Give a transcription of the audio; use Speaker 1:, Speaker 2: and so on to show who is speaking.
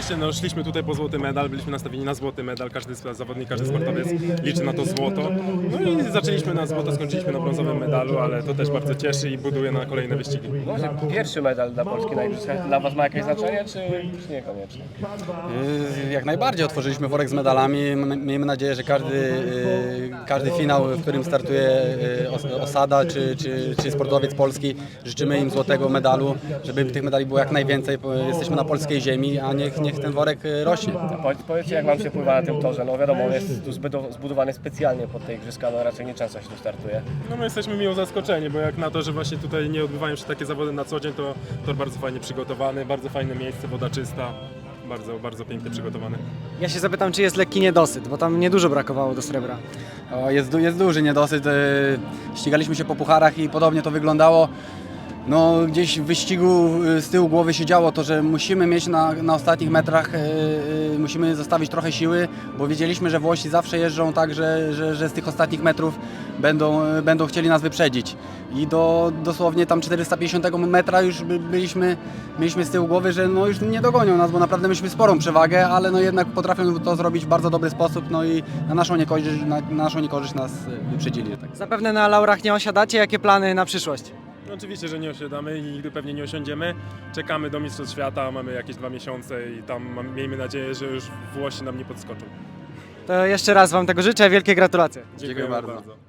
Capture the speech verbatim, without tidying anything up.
Speaker 1: oczywiście no, szliśmy tutaj po złoty medal, byliśmy nastawieni na złoty medal, każdy zawodnik, każdy sportowiec liczy na to złoto. No i zaczęliśmy na złoto, skończyliśmy na brązowym medalu, ale to też bardzo cieszy i buduje na kolejne wyścigi.
Speaker 2: Może pierwszy medal dla Polski na igrzyskach dla Was ma jakieś znaczenie, czy, czy niekoniecznie?
Speaker 3: Yy, Jak najbardziej otworzyliśmy worek z medalami. M- Miejmy nadzieję, że każdy, yy, każdy finał, w którym startuje yy, os- osada czy, czy, czy sportowiec polski, życzymy im złotego medalu, żeby tych medali było jak najwięcej. bo Jesteśmy na polskiej ziemi, a niech, niech ten worek yy, rośnie.
Speaker 2: Powiedz- Powiedzcie, jak Wam się pływa na tym torze? No wiadomo, on jest tu zbydo- zbudowany specjalnie pod te igrzyska, no raczej nie często się tu startuje.
Speaker 1: No my jesteśmy miło zaskoczeni, bo jak na to, że właśnie tutaj nie odbywają się takie zawody na co dzień, to tor bardzo fajnie przygotowany, bardzo fajne miejsce, woda czysta, bardzo, bardzo pięknie przygotowany.
Speaker 4: Ja się zapytam, czy jest lekki niedosyt, bo tam niedużo brakowało do srebra.
Speaker 3: O, Jest, du- jest duży niedosyt. yy, Ścigaliśmy się po pucharach i podobnie to wyglądało. No, gdzieś w wyścigu yy, z tyłu głowy się działo to, że musimy mieć na, na ostatnich metrach, yy, yy, musimy zostawić trochę siły, bo wiedzieliśmy, że Włosi zawsze jeżdżą tak, że, że, że z tych ostatnich metrów będą, yy, będą chcieli nas wyprzedzić. I do dosłownie tam czterysta pięćdziesiątego metra już by, byliśmy, mieliśmy z tyłu głowy, że no już nie dogonią nas, bo naprawdę mieliśmy sporą przewagę, ale no jednak potrafią to zrobić w bardzo dobry sposób, no i na naszą niekorzyść, na, na naszą niekorzyść nas yy, wyprzedzili. Tak.
Speaker 4: Zapewne na laurach nie osiadacie. Jakie plany na przyszłość?
Speaker 1: No oczywiście, że nie osiadamy i nigdy pewnie nie osiądziemy. Czekamy do Mistrzostw Świata, mamy jakieś dwa miesiące i tam mam, miejmy nadzieję, że już Włosi nam nie podskoczą.
Speaker 4: To jeszcze raz Wam tego życzę. Wielkie gratulacje.
Speaker 1: Dziękujemy
Speaker 3: bardzo.
Speaker 1: bardzo.